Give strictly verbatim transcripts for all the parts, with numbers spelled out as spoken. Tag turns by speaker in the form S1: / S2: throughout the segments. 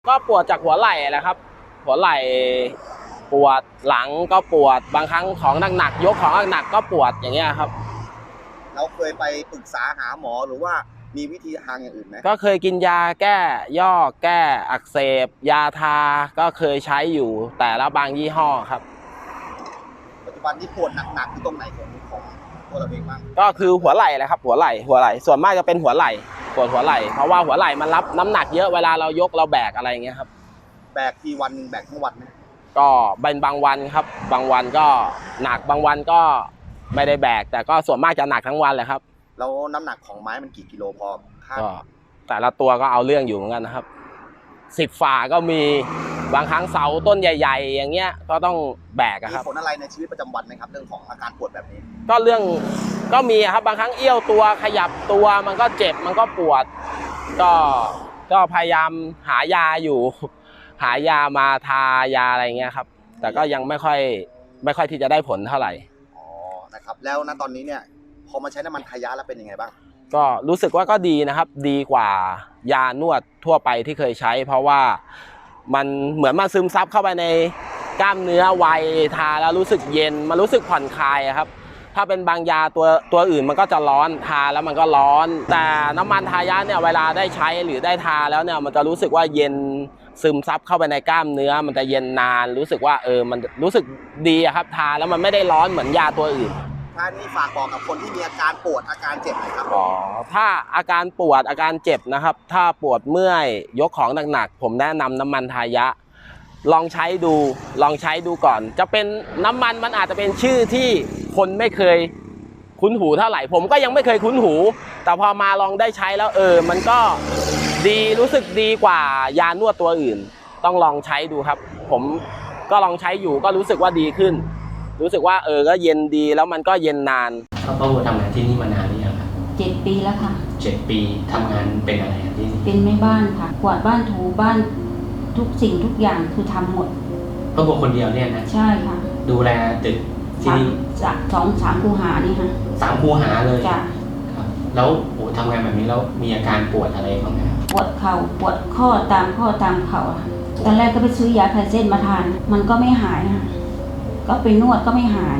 S1: ก็ปวดจากหัวไหล่แหละครับหัวไหล่ปวดหลังก็ปวดบางครั้งของหนักๆยกของหนักๆก็ปวดอย่างเงี้ยครับ
S2: เราเคยไปปรึกษาหาหมอหรือว่ามีวิธีทางอย่างอื่นไหม
S1: ก็เคยกินยาแก้ย่อแก้อักเสบยาทาก็เคยใช้อยู่แต่ละบางยี่ห้อครับ
S2: ปัจจุบันนี้ปวดหนักๆที่ตรงไหนของของตัวเราเองบ้าง
S1: ก็คือหัวไหล่แหละครับหัวไหล่หัวไหล่ส่วนมากจะเป็นหัวไหล่ปวดหัวไหล่เพราะว่าหัวไหล่มันรับน้ำหนักเยอะเวลาเรายกเราแบกอะไรอย่างเงี้ยครับ
S2: แบกทีวันแบกทั้งวันไหม
S1: ก็เป็นบางวันครับบางวันก็หนักบางวันก็ไม่ได้แบกแต่ก็ส่วนมากจะหนักทั้งวันเลยครับ
S2: แล้วน้ำหนักของไม้มันกี่กิโลพอ
S1: ก็แต่ละตัวก็เอาเรื่องอยู่เหมือนกันนะครับสิบฝ่าก็มีบางครั้งเสาต้นใหญ่ๆอย่างเงี้ยก็ต้องแบกครับ
S2: มีผลอะไรในชีวิตประจำวันไหมครับเรื่องของอาการปวดแบบนี้
S1: ก็เรื่องก็มีครับบางครั้งเอี้ยวตัวขยับตัวมันก็เจ็บมันก็ปวดก็ก็พยายามหายาอยู่หายามาทายาอะไรเงี้ยครับแต่ก็ยังไม่ค่อยไม่ค่อยที่จะได้ผลเท่าไหร่
S2: อ๋อนะครับแล้วณตอนนี้เนี่ยพอมาใช้น้ำมันทายะแล้วเป็นยังไงบ้าง
S1: ก็รู้สึกว่าก็ดีนะครับดีกว่ายานวดทั่วไปที่เคยใช้เพราะว่ามันเหมือนมันซึมซับเข้าไปในกล้ามเนื้อไวทาแล้วรู้สึกเย็นมันรู้สึกผ่อนคลายครับถ้าเป็นบางยาตัวตัวอื่นมันก็จะร้อนทาแล้วมันก็ร้อนแต่น้ำมันทายะเนี่ยเวลาได้ใช้หรือได้ทาแล้วเนี่ยมันจะรู้สึกว่าเย็นซึมซับเข้าไปในกล้ามเนื้อมันจะเย็นนานรู้สึกว่าเออมันรู้สึกดีครับทาแล้วมันไม่ได้ร้อนเหมือนยาตัวอื่น
S2: ท่านนี้ฝากบอกกับคนที่มีอาการปวดอาการเจ็บหน่อยครับ
S1: อ๋อถ้าอาการปวดอาการเจ็บนะครับถ้าปวดเมื่อยยกของหนักๆผมแนะนำน้ำมันทายะลองใช้ดูลองใช้ดูก่อนจะเป็นน้ำมันมันอาจจะเป็นชื่อที่คนไม่เคยคุ้นหูเท่าไหร่ผมก็ยังไม่เคยคุ้นหูแต่พอมาลองได้ใช้แล้วเออมันก็ดีรู้สึกดีกว่ายานวดตัวอื่นต้องลองใช้ดูครับผมก็ลองใช้อยู่ก็รู้สึกว่าดีขึ้นรู้สึกว่าเออก็เย็นดีแล้วมันก็เย็นนาน
S3: ป้าป้าบัวทำงานที่นี่มานานหรือยังครับ
S4: เจ็ดปีแล้วค่ะ
S3: เจ็ดปีทำงานเป็นอะไรที่นี่
S4: เป็นแม่บ้านค่ะกวาดบ้านถูบ้านทุกสิ่งทุกอย่างคือทำหมด
S3: ป้าบัวคนเดียวเนี่ยนะ
S4: ใช่ค่ะ
S3: ดูแลตึกที่นี่
S4: จากสองสามคูหานี่ค่ะ
S3: สามคูหาเลย
S4: จ้ะ
S3: ครับแล้วโอ้ทำงานแบบนี้แล้วมีอาการปวดอะไรบ้างไหม
S4: ปวดเข่าปวดข้อตามข้อตามเข่าตอนแรกก็ไปซื้อยาคลายเส้นมาทานมันก็ไม่หายค่ะก็ไปนวดก็ไม่หาย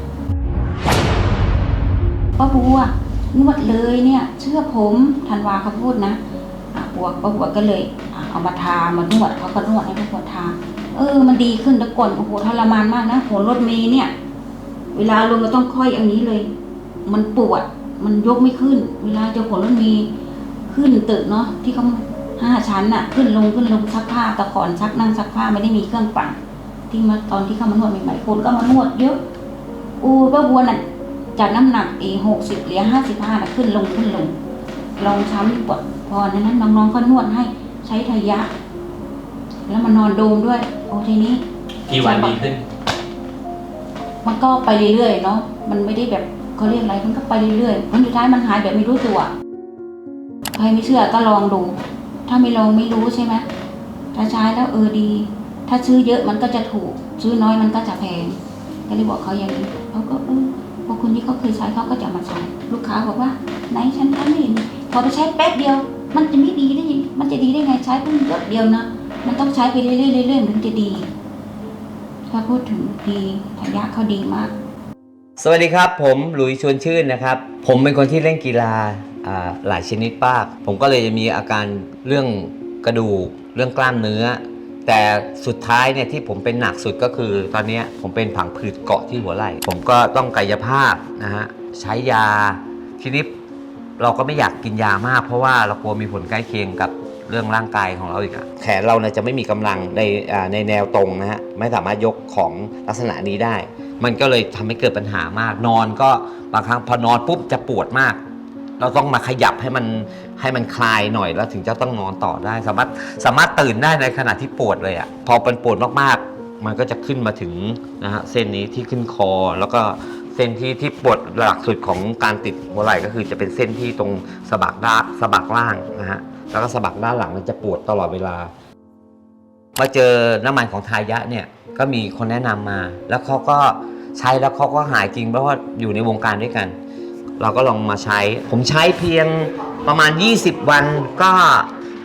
S4: ป้าบัวนวดเลยเนี่ยเชื่อผมธันวาเขาพูดนะปวดป้าบัวก็เลยเอามาทามานวดเขาก็นวดให้ป้าบัวทาเออมันดีขึ้นแต่ก่อนโอ้โหทรมานมากนะโหรถเมล์เนี่ยเวลาลงก็ต้องค่อยอย่างนี้เลยมันปวดมันยกไม่ขึ้นเวลาจะโหรถเมล์ขึ้นตึกเนาะที่เขาห้าชั้นน่ะขึ้นลงขึ้นลงซักผ้าแต่ก่อนซักนั่งซักผ้าไม่ได้มีเครื่องปั่นที่มาตอนที่เขามานวดใหม่ๆคนก็มานวดเยอะอูป้าบัวน่ะจากน้ำหนักเอหกสิบเหลือห้าสิบห้าน่ะขึ้นลงขึ้นลงลองช้ำปวดพอนั้นน้องๆก็นวดให้ใช้ทายะแล้วมานอนโดมด้วยโอ้ทีนี้
S3: กี่วันดีขึ้น
S4: มันก็ไปเรื่อยๆเนาะมันไม่ได้แบบเขาเรียกอะไรมันก็ไปเรื่อยๆผลสุดท้ายมันหายแบบไม่รู้ตัวใครไม่เชื่อก็ลองดูถ้าไม่ลองไม่รู้ใช่ไหมถ้าใช้แล้วเออดีถ้าซื้อเยอะมันก็จะถูกซื้อน้อยมันก็จะแพงก็เลยบอกเขาอย่างนี้เขาก็เออพอคนที่เขาเคยใช้เขาก็จะมาใช้ลูกค้าบอกว่าไหนฉันทำไม่เห็นพอไปใช้แป๊บเดียวมันจะไม่ดีได้มันจะดีได้ไงใช้เพิ่งหยดเดียวนะมันต้องใช้ไปเรื่อยๆเรื่อยๆถึงจะดีถ้าพูดถึงดีทายะเขาดีมาก
S5: สวัสดีครับผมหลุยชวนชื่นนะครับผมเป็นคนที่เล่นกีฬาหลายชนิดมากผมก็เลยจะมีอาการเรื่องกระดูกเรื่องกล้ามเนื้อแต่สุดท้ายเนี่ยที่ผมเป็นหนักสุดก็คือตอนนี้ผมเป็นผังผืดเกาะที่หัวไหล่ผมก็ต้องกายภาพนะฮะใช้ยาทีนี้เราก็ไม่อยากกินยามากเพราะว่าเรากลัวมีผลใกล้เคียงกับเรื่องร่างกายของเราอีกอะแขนเราเนี่ยจะไม่มีกำลังในในแนวตรงนะฮะไม่สามารถยกของลักษณะนี้ได้มันก็เลยทำให้เกิดปัญหามากนอนก็บางครั้งพอนอนปุ๊บจะปวดมากเราต้องมาขยับให้มันให้มันคลายหน่อยแล้วถึงจะต้องนอนต่อได้สามารถสามารถตื่นได้ในขณะที่ปวดเลยอะพอเป็นปวดมากๆมันก็จะขึ้นมาถึงนะฮะเส้นนี้ที่ขึ้นคอแล้วก็เส้นที่ที่ปวดหลักสุดของการติดหัวไหล่ก็คือจะเป็นเส้นที่ตรงสะบักด้านสะบักล่างนะฮะแล้วก็สะบักด้านหลังมันจะปวดตลอดเวลามาเจอน้ำมันของทายะเนี่ยก็มีคนแนะนำมาแล้วเขาก็ใช้แล้วเขาก็หายจริงเพราะว่าอยู่ในวงการด้วยกันเราก็ลองมาใช้ผมใช้เพียงประมาณยี่สิบวันก็ช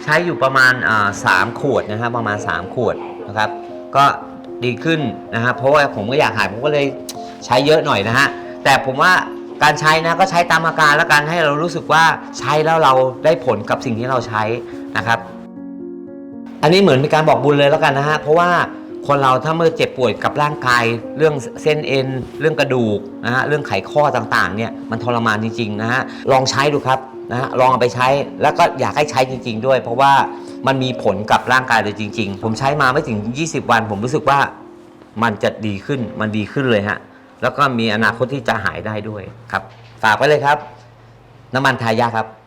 S5: ช้อยู่ประมาณสามขวดนะครับประมาณสามขวดนะครับก็ดีขึ้นนะฮะเพราะว่าผมก็อยากหายผมก็เลยใช้เยอะหน่อยนะฮะแต่ผมว่าการใช้นะก็ใช้ตามอาการแล้วกันให้เรารู้สึกว่าใช้แล้วเราได้ผลกับสิ่งที่เราใช้นะครับอันนี้เหมือนเป็นการบอกบุญเลยแล้วกันนะฮะเพราะว่าคนเราถ้าเมื่อเจ็บป่วยกับร่างกายเรื่องเส้นเอ็นเรื่องกระดูกนะฮะเรื่องไขข้อต่างๆเนี่ยมันทรมานจริงๆนะฮะลองใช้ดูครับนะฮะลองเอาไปใช้แล้วก็อยากให้ใช้จริงๆด้วยเพราะว่ามันมีผลกับร่างกายเลยจริงๆผมใช้มาไม่ถึงยี่สิบวันผมรู้สึกว่ามันจะดีขึ้นมันดีขึ้นเลยฮะแล้วก็มีอนาคตที่จะหายได้ด้วยครับฝากไว้เลยครับน้ำมันทายาครับ